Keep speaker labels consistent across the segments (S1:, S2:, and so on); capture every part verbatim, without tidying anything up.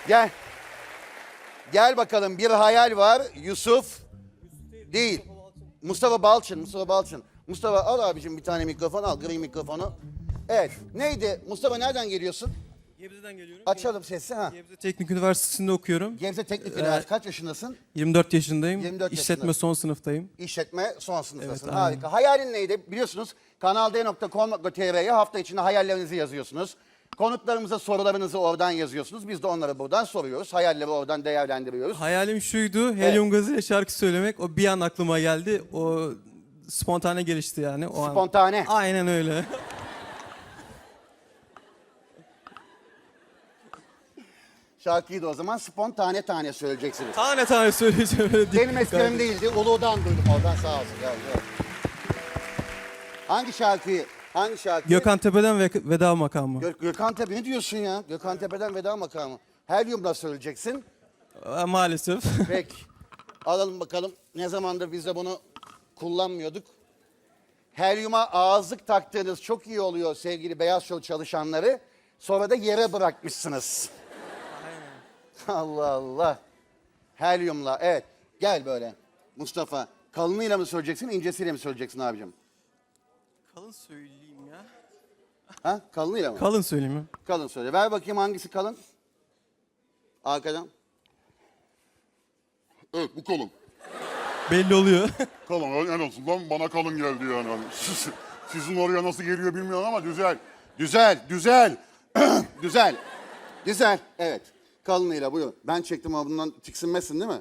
S1: Gel. Gel bakalım, bir hayal var. Yusuf değil. Mustafa Balçın, Mustafa Balçın. Mustafa al abicim bir tane mikrofon, al gri mikrofonu. Evet, neydi? Mustafa nereden geliyorsun?
S2: Gebze'den geliyorum.
S1: Açalım sesi ha.
S2: Gebze Teknik Üniversitesi'nde okuyorum.
S1: Gebze Teknik
S2: Ee,
S1: Üniversitesi, kaç yaşındasın?
S2: yirmi dört yaşındayım.
S1: yirmi dört
S2: İşletme
S1: yaşında.
S2: son sınıftayım.
S1: İşletme son sınıftasın.
S2: Evet, aynen.
S1: Harika. Hayalin neydi? Biliyorsunuz kanal d nokta com nokta t r'ye hafta içinde hayallerinizi yazıyorsunuz. Konuklarımıza sorularınızı oradan yazıyorsunuz. Biz de onları buradan soruyoruz. Hayalleri oradan değerlendiriyoruz.
S2: Hayalim şuydu, helyum gazıyla şarkı söylemek. O bir an aklıma geldi. O spontane gelişti yani. O an.
S1: Spontane.
S2: Aynen öyle.
S1: Şarkıyı da o zaman spontane tane söyleyeceksiniz.
S2: Tane tane söyleyeceğim. Öyle dik-
S1: Benim esmerim değildi. Ulu'dan duydum oradan, sağ olsun. Gel, gel. Hangi şarkıyı? Hangi şarkı?
S2: Gökhan Tepe'den ve veda makamı.
S1: Gö Gökhan Tepe ne diyorsun ya? Gökhan Tepe'den veda makamı. Helyum'la söyleyeceksin.
S2: Ee, Maalesef.
S1: Peki. Alalım bakalım. Ne zamandır biz de bunu kullanmıyorduk. Helyuma ağızlık taktığınız çok iyi oluyor sevgili Beyaz Show çalışanları. Sonra da yere bırakmışsınız. Allah Allah. Helyumla, evet. Gel böyle Mustafa. Kalınıyla mı söyleyeceksin, incesiyle mi söyleyeceksin abicim?
S2: Kalın söyleyeyim ya.
S1: Ha? Kalınıyla mı?
S2: Kalın söyleyeyim ya.
S1: Kalın söyle. Ver bakayım hangisi kalın? Arkadan.
S3: Evet bu kalın.
S2: Belli oluyor.
S3: Kalın en azından bana kalın geldi yani. Hani siz- Sizin oraya nasıl geliyor bilmiyorum ama güzel.
S1: Güzel, güzel. Güzel. Güzel. Evet. Kalınıyla buyur. Ben çektim ama bundan tiksinmezsin değil mi?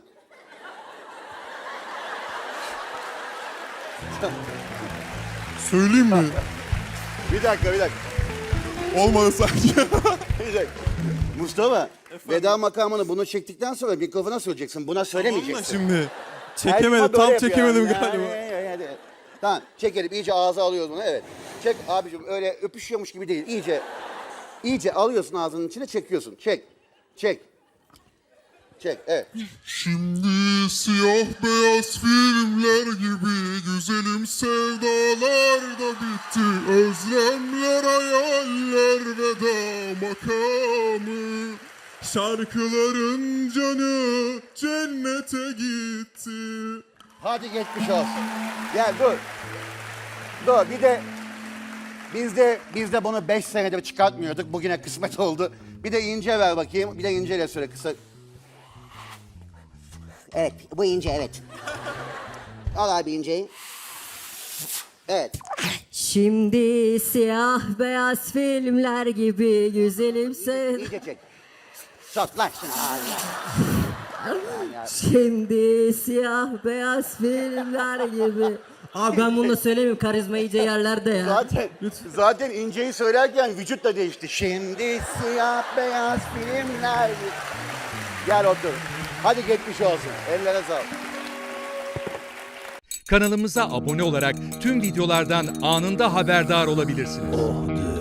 S3: Söyleyeyim mi?
S1: Bir dakika, bir dakika.
S3: Olmadı sanki.
S1: Bir dakika. Mustafa, veda makamını bunu çektikten sonra mikrofona söyleyeceksin. Buna
S2: Onunla
S1: söylemeyeceksin.
S2: şimdi.
S1: Helyuma
S2: Çekemedim.
S1: böyle
S2: Tam
S1: yapıyor
S2: çekemedim
S1: yani.
S2: galiba.
S1: Yani, yani, yani. Tamam, çekelim. İyice ağza alıyoruz bunu. Evet. Çek abicim, öyle öpüşüyormuş gibi değil. İyice, iyice alıyorsun ağzının içine, çekiyorsun. Çek, çek. Çek, evet.
S3: Şimdi siyah beyaz filmler gibi güzelim sevdalar da bitti. Özlemler, hayaller, veda makamı. Şarkıların canı cennete gitti.
S1: Hadi geçmiş olsun. Gel dur. Dur bir de biz de biz de bunu beş senedir çıkartmıyorduk. Bugüne kısmet oldu. Bir de ince ver bakayım. Bir de inceyle söyle kısa. Evet bu ince, evet. Al abi inceyi. Evet.
S4: Şimdi siyah beyaz filmler gibi güzelim sev.
S1: İyice çek. Sok lan şunu ağzına.
S4: Şimdi siyah beyaz filmler gibi. Abi ben bunu da söylemiyorum, karizma iyice yerlerde ya.
S1: Zaten, zaten inceyi söylerken vücut da değişti. Şimdi siyah beyaz filmler. Gel otur. Hadi geçmiş olsun. Ellere sağlık.
S5: Kanalımıza abone olarak tüm videolardan anında haberdar olabilirsiniz.